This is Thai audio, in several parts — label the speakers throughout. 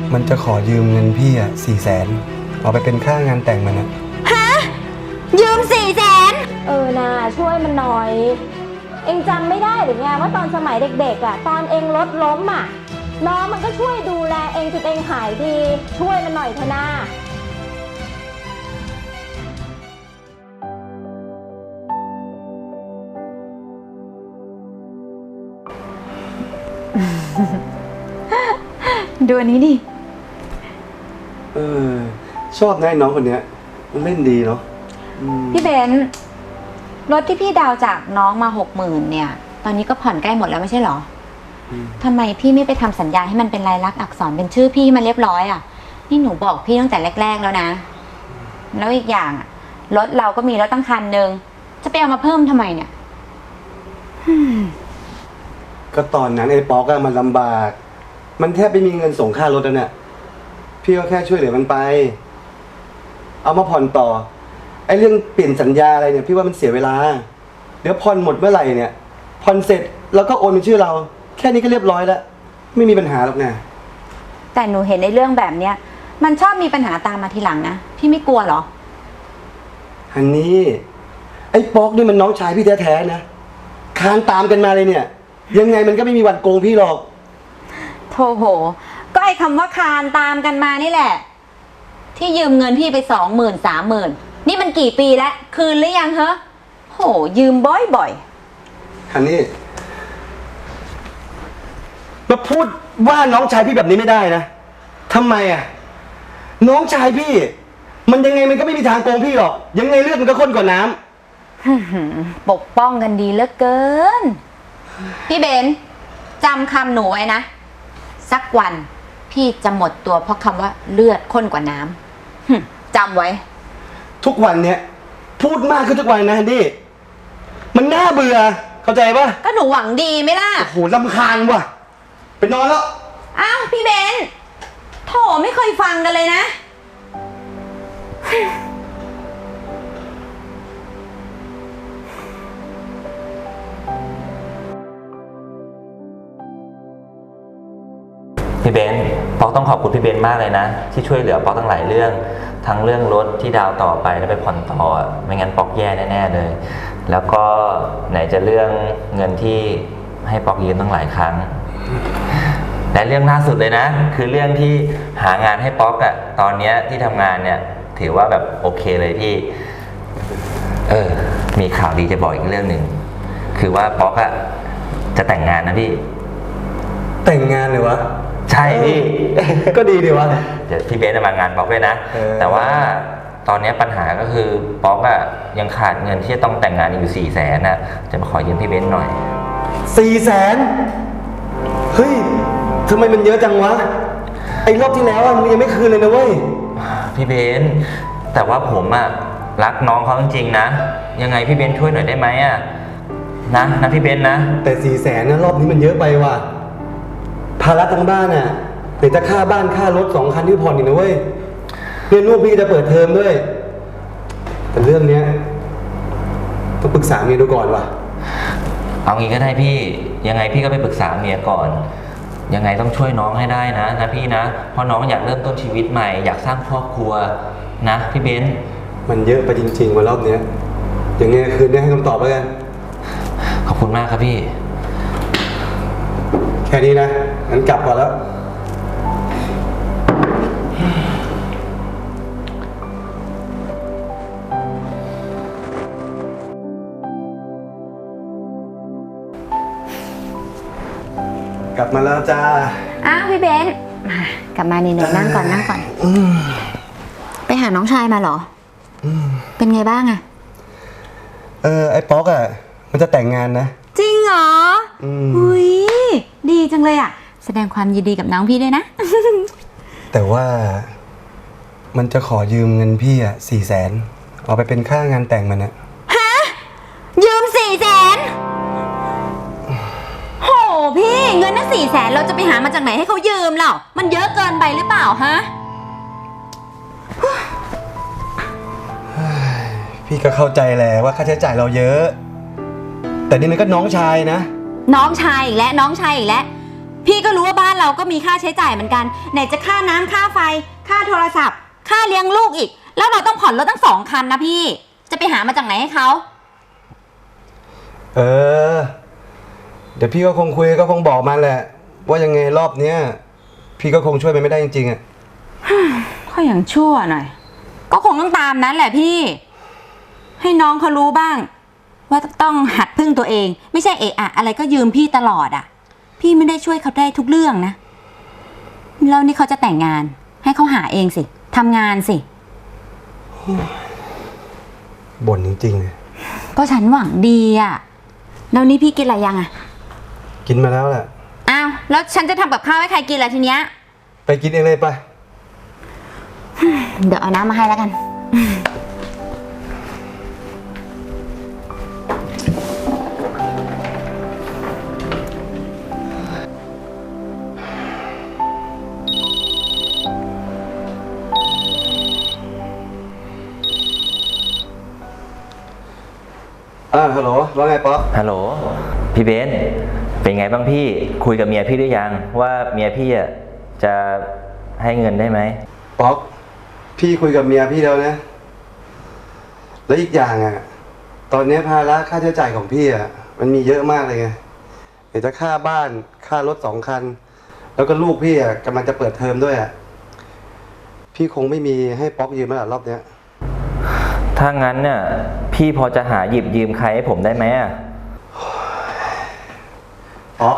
Speaker 1: มันจะขอยืมเงินพี่อ่ะ400,000เอาไปเป็นค่างานแต่งมันนะ
Speaker 2: ฮะยืม400,000นะช่วยมันหน่อย เองจำไม่ได้หรือไงว่าตอนสมัยเด็กๆอ่ะตอนเองรถล้มอ่ะน้องมันก็ช่วยดูแลเองจนเองหายดีช่วยมันหน่อยเถอะนะดูอันนี้ดิ
Speaker 1: ชอบนะน้องคนเนี้ยมันเล่นดีเนาะ
Speaker 2: พี่เบนรถที่พี่ดาวจากน้องมา60,000เนี่ยตอนนี้ก็ผ่อนใกล้หมดแล้วไม่ใช่หรอทำไมพี่ไม่ไปทำสัญญาให้มันเป็นลายลักษณ์อักษรเป็นชื่อพี่มันเรียบร้อยอ่ะนี่หนูบอกพี่ตั้งแต่แรกๆแล้วนะแล้วอีกอย่างรถเราก็มีรถตั้งคันนึงจะไปเอามาเพิ่มทำไมเนี่ย
Speaker 1: ก็ตอนนั้นไอ้ป๊อกอะมันลำบากมันแทบไม่มีเงินส่งค่ารถแล้วเนี่ยพี่ก็แค่ช่วยเหลือมันไปเอามาผ่อนต่อไอ้เรื่องเปลี่ยนสัญญาอะไรเนี่ยพี่ว่ามันเสียเวลาเดี๋ยวผ่อนหมดเมื่อไหร่เนี่ยผ่อนเสร็จแล้วก็โอนเป็นชื่อเราแค่นี้ก็เรียบร้อยแล้วไม่มีปัญหาหรอกนะ
Speaker 2: แต่หนูเห็นในเรื่องแบบเนี้ยมันชอบมีปัญหาตามมาทีหลังนะพี่ไม่กลัวหรอ
Speaker 1: ฮันนี่ไอ้ป๊อกนี่มันน้องชายพี่แท้ๆนะคานตามกันมาเลยเนี่ยยังไงมันก็ไม่มีวันโกงพี่หรอก
Speaker 2: โธ่โหก็ไอ้คำว่าคานตามกันมานี่แหละที่ยืมเงินพี่ไป20,000 30,000นี่มันกี่ปีแล้วคืนหรือยังเหรอโหยืมบ่อย
Speaker 1: ๆฮันนี่มาพูดว่าน้องชายพี่แบบนี้ไม่ได้นะทำไมอ่ะน้องชายพี่มันยังไงมันก็ไม่มีทางโกงพี่หรอกยังไงเลือดมันก็ข้นกว่าน้
Speaker 2: ำปกป้องกันดีเหลือเกินพี่เบนจำคำหนูไว้นะสักวันพี่จะหมดตัวเพราะคำว่าเลือดข้นกว่าน้ำจำไว้
Speaker 1: ทุกวันเนี้ยพูดมากขึ้นทุกวันนะฮันดี้มันน่าเบื่อเข้าใจปะ
Speaker 2: ก็หนูหวังดีไหมล่ะ
Speaker 1: โอ้โหรำคาญว่ะไปนอนแล้ว
Speaker 2: อ้าวพี่เบนโถไม่เคยฟังกันเลยนะ
Speaker 3: พี่เบนป๊อกต้องขอบคุณพี่เบนมากเลยนะที่ช่วยเหลือป๊อกทั้งหลายเรื่องทั้งเรื่องรถที่ดาวต่อไปแล้วไปผ่อนต่อไม่งั้นป๊อกแย่แน่ๆเลยแล้วก็ไหนจะเรื่องเงินที่ให้ป๊อกยืมตั้งหลายครั้งและเรื่องล่าสุดเลยนะคือเรื่องที่หางานให้ป๊อกอะตอนนี้ที่ทำงานเนี่ยถือว่าแบบโอเคเลยพี่มีข่าวดีจะบอกอีกเรื่องหนึ่งคือว่าป๊อกอะจะแต่งงานนะพี่
Speaker 1: แต่งงานเลยวะ
Speaker 3: ใช่พี่
Speaker 1: ก็ดีดีวะ
Speaker 3: เดี๋ยวพี่เบนจะมางานป๊อกด้วยนะแต่ว่าตอนนี้ปัญหาก็คือป๊อกอะยังขาดเงินที่จะต้องแต่งงานอยู่400,000นะจะมาขอยืมพี่เบนหน่อย
Speaker 1: 400,000เฮ้ยทำไมมันเยอะจังวะไอ้รอบที่แล้วมันยังไม่คืนเลยนะเว้ย
Speaker 3: พี่เบนแต่ว่าผมอะรักน้องเขาจริงๆนะยังไงพี่เบนช่วยหน่อยได้ไหมอะนะพี่เบนนะ
Speaker 1: แต่400,000นะรอบนี้มันเยอะไปว่ะภาระทางบ้านน่ะเดี๋ยวจะค่าบ้านค่ารถ2 คันที่ผ่อนอีกนะเว้ยเรียนลูกพี่จะเปิดเทอมด้วยแต่เรื่องเนี้ยต้องปรึกษาเมียดูก่อนว่ะ
Speaker 3: เอางี้ก็ได้พี่ยังไงพี่ก็ไปปรึกษาเมียก่อนยังไงต้องช่วยน้องให้ได้นะพี่นะเพราะน้องอยากเริ่มต้นชีวิตใหม่อยากสร้างครอบครัวนะพี่เบน
Speaker 1: มันเยอะไปจริงๆวันรอบเนี้ยยังไงคืนนี้ให้คำตอบแล้วกัน
Speaker 3: ขอบคุณมากครับพี่
Speaker 1: แค่นี้นะงั้นกลับก่อนแล้วกลับมาแล้วจ้า
Speaker 2: อ้าวพี่เบนกลับมานี่นั่งก่อนไปหาน้องชายมาเหรอเป็นไงบ้างอะ
Speaker 1: ไอ้ป๊อกอะมันจะแต่งงานนะ
Speaker 2: จริงเหรออุ้ยดีจังเลยอะแสดงความยินดีกับน้องพี่ด้วยนะ
Speaker 1: แต่ว่ามันจะขอยืมเงินพี่อะ400,000เอาไปเป็นค่างานแต่งมันอะ
Speaker 2: ฮะยืม400,000โหพี่เงินนั่น400,000เราจะไปหามาจากไหนให้เขายืมเหรอมันเยอะเกินไปหรือเปล่าฮะ
Speaker 1: พี่ก็เข้าใจแหละว่าค่าใช้จ่ายเราเยอะแต่นี่มันก็น้องชายนะ
Speaker 2: น้องชายอีกแล้วน้องชายอีกแล้วพี่ก็รู้ว่าบ้านเราก็มีค่าใช้จ่ายเหมือนกันไหนจะค่าน้ำค่าไฟค่าโทรศัพท์ ค่าเลี้ยงลูกอีกแล้วเราต้องผ่อนรถตั้ง2 คันนะพี่จะไปหามาจากไหนให้เขา
Speaker 1: เออ เดี๋ยวพี่ก็คงคุยก็คงบอกมันแหละ ว่ายังไงรอบเนี้ยพี่ก็คงช่วยมันไม่ได้จริงๆอ่ะ
Speaker 2: ก็อย่างชั่วหน่อยก็คงต้องตามนั้นแหละพี่ ให้น้องเขารู้บ้าง ว่าต้องหัดพึ่งตัวเอง ไม่ใช่เอะอะอะไรก็ยืมพี่ตลอดอ่ะ พี่ไม่ได้ช่วยเขาได้ทุกเรื่องนะแล้วนี่เขาจะแต่งงาน ให้เขาหาเองสิทำงานสิ
Speaker 1: บ่นจริงๆเลย
Speaker 2: ก็ฉันหวังดีอ่ะแล้วนี่พี่กินอะไรยังอ่ะ
Speaker 1: กินมาแล้วแหละ
Speaker 2: อ้าวแล้วฉันจะทำกับข้าวให้ใครกินล่ะทีเนี้ย
Speaker 1: ไปกินเองเลยไป
Speaker 2: เดี๋ยวเอาน้ำมาให้แล้วกัน
Speaker 1: ฮัลโหลว่าไงป๊อป
Speaker 3: ฮัลโหลพี่เบนซ์เป็นไงบ้างพี่คุยกับเมียพี่หรือยังว่าเมียพี่อ่ะจะให้เงินได้ไหม
Speaker 1: ป๊อปพี่คุยกับเมียพี่แล้วนะ แล้วอีกอย่างอ่ะ ตอนนี้ภาระค่าใช้จ่ายของพี่อ่ะมันมีเยอะมากเลยไงเดี๋ยวจะค่าบ้านค่ารถ2 คัน แล้วก็ลูกพี่อ่ะกำลังจะเปิดเทอมด้วยอ่ะพี่คงไม่มีให้ป๊อปยืมแล้วล่ะรอบเนี้ย
Speaker 3: ถ้างั้นเนี่ยพี่พอจะหาหยิบยืมใครให้ผมได้ไหมอ่ะ
Speaker 1: ป๊อป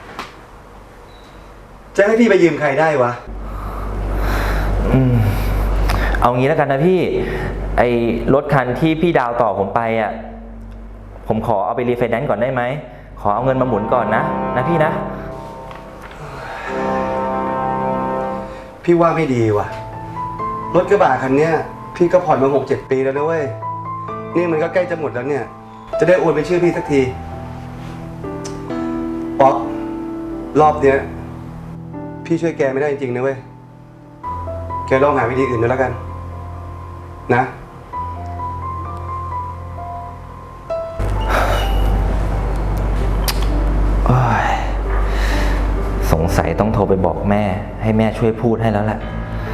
Speaker 1: จะให้พี่ไปยืมใครได้วะ
Speaker 3: เอางี้แล้วกันนะพี่ไอ้รถคันที่พี่ดาวต่อผมไปอ่ะผมขอเอาไปรีไฟแนนซ์ก่อนได้ไหมขอเอาเงินมาหมุนก่อนนะพี่นะ
Speaker 1: พี่ว่าไม่ดีว่ะรถกระบะคันเนี้ยพี่ก็ผ่อนมา6-7 ปีแล้วนะเว้ยนี่มันก็ใกล้จะหมดแล้วเนี่ย จะได้โอนเป็นชื่อพี่สักทีป๊อปรอบเนี้ยพี่ช่วยแกไม่ได้จริงๆนะเว้ยแกลองหาวิธีอื่นดูแล้วกันนะ
Speaker 3: สงสัยต้องโทรไปบอกแม่ให้แม่ช่วยพูดให้แล้วแหละ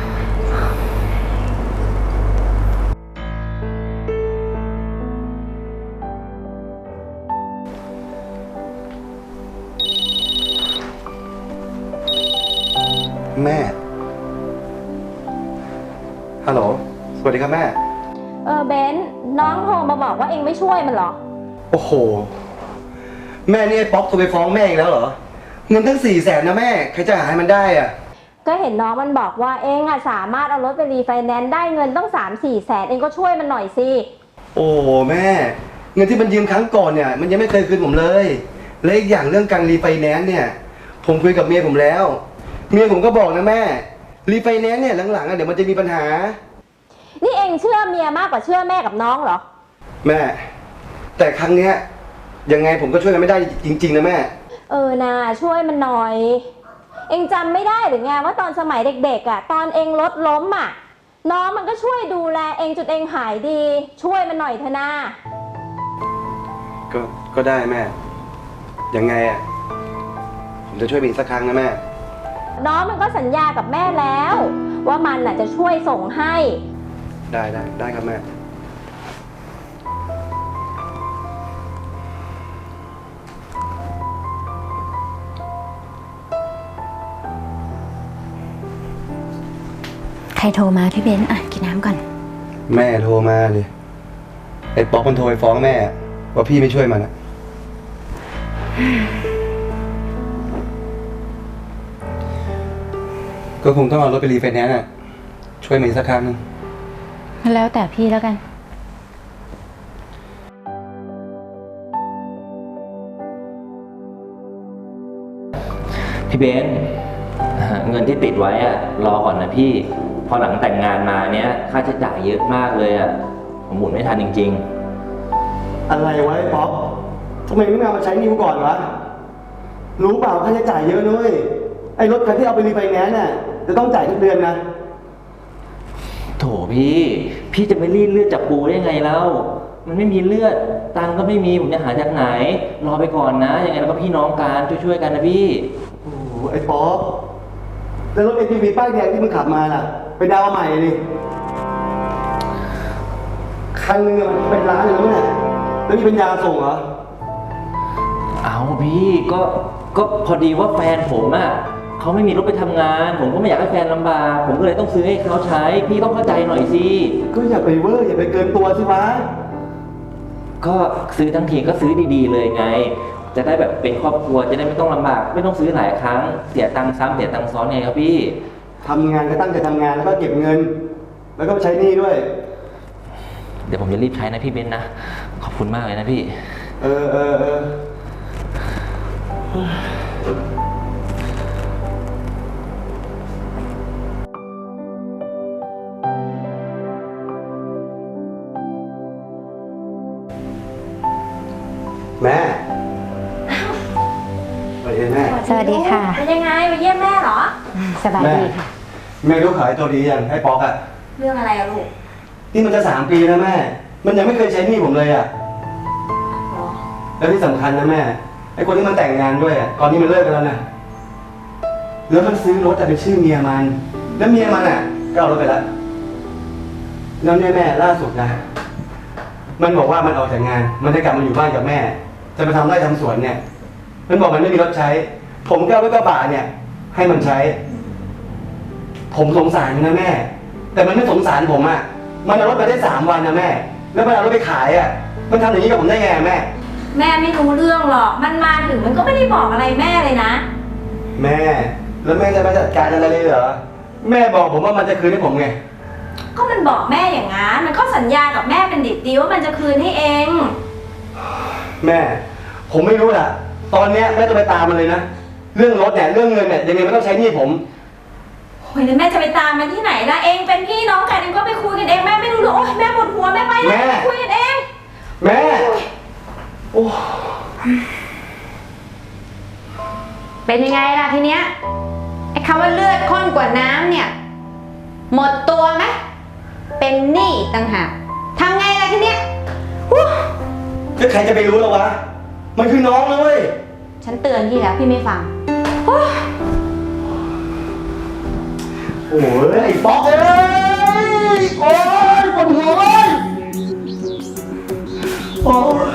Speaker 1: แม่ฮัลโหลสวัสดีครับแม่
Speaker 2: เบนน้องโทรมาบอกว่าเองไม่ช่วยมันเหรอ
Speaker 1: โอ้โหแม่นี่ไอ้ป๊อปโทรไปฟ้องแม่อีกแล้วเหรอเงินทั้ง400,000นะแม่ใครจะหาให้มันได้อ่ะ
Speaker 4: ก็เห็นน้องมันบอกว่าเองอะสามารถเอารถไปรีไฟแนนซ์ได้เงินต้อง3-4 แสนเองก็ช่วยมันหน่อยสิ
Speaker 1: โอ้แม่เงินที่มันยืมครั้งก่อนเนี่ยมันยังไม่เคยคืนผมเลยและอีกอย่างเรื่องการรีไฟแนนซ์เนี่ยผมคุยกับเมียผมแล้วเมียผมก็บอกนะแม่รีไฟแนนซ์เนี่ยหลังๆอ่ะเดี๋ยวมันจะมีปัญหา
Speaker 4: นี่เองเชื่อเมียมากกว่าเชื่อแม่กับน้องเหรอ
Speaker 1: แม่แต่ครั้งเนี้ยยังไงผมก็ช่วยกันไม่ได้จริงๆนะแม่
Speaker 4: นาช่วยมันหน่อย เองจำไม่ได้หรือไงว่าตอนสมัยเด็กๆอะตอนเองรถล้มอะน้องมันก็ช่วยดูแลเองจนเองหายดี ช่วยมันหน่อยเถอะนา
Speaker 1: ก็ได้แม่ยังไงอ่ะผมจะช่วยมันอีกสักครั้งนะแม่
Speaker 4: น้องมันก็สัญญากับแม่แล้ว ว่ามันน่ะจะช่วยส่งให้
Speaker 1: ได้ครับแม่
Speaker 2: ใครโทรมาพี่เบนอ่ะกินน้ำก่อน
Speaker 1: แม่โทรมาเลยไอ้ป๊อกมันโทรไปฟ้องแม่ว่าพี่ไม่ช่วยมันอะก็คงต้องเอารถไปรีไฟแนนซ์อะช่วยมันอีกสักครั้งนึง
Speaker 2: แล้วแต่พี่แล้วกัน
Speaker 3: พี่เบนซ์เงินที่ติดไว้อะรอก่อนนะพี่พอหลังแต่งงานมาเนี้ยค่าใช้จ่ายเยอะมากเลยอะผมหมุนไม่ทันจริง
Speaker 1: อะไรวะไอ้ป๊อกทำไมไม่เอามาใช้นิ้วก่อนวะรู้เปล่าค่าใช้จ่ายเยอะด้วยไอ้รถคันที่เอาไปรีไฟแนนซ์น่ะจะต้องจ่ายทุกเดือนนะ
Speaker 3: ๆโถพี่จะไปรีดเลือดจากปูได้ไงแล้วมันไม่มีเลือดตังค์ก็ไม่มีผมจะหาจากไหนรอไปก่อนนะยังไงเราก็พี่น้องกันช่วยๆกันนะพี่
Speaker 1: โอ้โหไอ้ป๊อปแล้วรถ ATV ป้ายแดงที่มึงขับมาล่ะ ไปดาวน์ใหม่ดิคันนึงอะมันเป็นล้านเลยนะเนี่ยแล้วมีปัญญาส่งเหรอ
Speaker 3: เอาพี่ก็พอดีว่าแฟนผมอ่ะเขาไม่มีรถไปทำงาน ผมก็ไม่อยากให้แฟนลำบากผมก็เลยต้องซื้อให้เขาใช้ พี่ต้องเข้าใจหน่อยสิ
Speaker 1: ก็อย่าไปเวอร์อย่าไปเกินตัวสิวะ
Speaker 3: ก็ซื้อทั้งทีก็ซื้อดีๆเลยไง จะได้แบบเป็นครอบครัวจะได้ไม่ต้องลำบาก ไม่ต้องซื้อหลายครั้งเสียตังค์ซ้ำเสียตังค์ซ้อนไงครับพี่
Speaker 1: ทำงานก็ตั้งใจทำงานแล้วก็เก็บเงิน แล้วก็ไปใช้หนี้ด้วย
Speaker 3: เดี๋ยวผมจะรีบใช้นะพี่เบนซ์นะขอบคุณมากเลยนะพี่
Speaker 1: เออ แม่สวัสดีแม่
Speaker 2: สวัสดีค่ะ
Speaker 4: เป็นยังไงมาเยี่ยมแม่เหรอ
Speaker 2: สบายดีค่ะ
Speaker 1: แม่รู้ขายตัวดียังให้ป๊อกอะ
Speaker 4: เรื่องอะไรอะลูก
Speaker 1: นี่มันจะ3 ปีแล้วแม่ มันยังไม่เคยใช้หนี้ผมเลยอะ
Speaker 4: อ๋อ
Speaker 1: แล้วที่สำคัญนะแม่ ไอ้คนที่มันแต่งงานด้วยอะตอนนี้มันเลิกกันแล้วนะแล้วมันซื้อรถแต่เป็นชื่อเมียมัน แล้วเมียมันอะก็เอารถไปแล้วแล้วเนี่ยแม่ล่าสุดนะ มันบอกว่ามันออกจากงาน มันจะกลับมาอยู่บ้านกับแม่ จะไปทำไร่ทำสวนเนี่ย มันบอกมันไม่มีรถใช้ ผมก็เอารถกระบะเนี่ย ให้มันใช้ ผมสงสารมันนะแม่ แต่มันไม่สงสารผมอะมันเอารถไปได้3 วันนะแม่ แล้วมันเอารถไปขายอะมันทำอย่างนี้กับผมได้ไงแม่
Speaker 4: แม่ไม่รู้เรื่องหรอก มันมาถึงมันก็ไม่ได้บอกอะไรแม่เลยนะ
Speaker 1: แม่ แล้วแม่จะไปจัดการอะไรเลยเหรอ แม่บอกผมว่ามันจะคืนให้ผมไง
Speaker 4: ก็มันบอกแม่อย่างงั้น มันก็สัญญากับแม่เป็นดิบดีว่ามันจะคืนให้เอง
Speaker 1: แม่ ผมไม่รู้ล่ะ ตอนเนี้ยแม่ต้องไปตามมันเลยนะ เรื่องรถเนี่ย เรื่องเงินเนี่ยยังไงมันต้องใช้หนี้ผม
Speaker 4: โอ้ยแล้วแม่จะไปตามมันที่ไหนล่ะ เองเป็นพี่น้องกันเองก็ไปคุยกันเอง แม่ไม่รู้หรอกโอ้ยแม่ปวดหัวแม่ไป
Speaker 1: แม่
Speaker 4: แล้วคุยกันเอง
Speaker 1: แม่ โอ้
Speaker 2: เป็นยังไงล่ะทีเนี้ย ไอ้คำว่าเลือดข้นกว่าน้ำเนี่ย หมดตัวไหม เป็นหนี้อีกต่างหากทำไงล่ะทีเนี้ยฮู้
Speaker 1: แล้วใครจะไปรู้ล่ะวะ มันคือน้องนะเว้ย
Speaker 2: ฉันเตือนพี่แล้วพี่ไม่ฟังฮู้
Speaker 1: โอ้ยไอ้ป๊อกเอ้ยโอ้ยปวดหัวเว้ยโอ้ย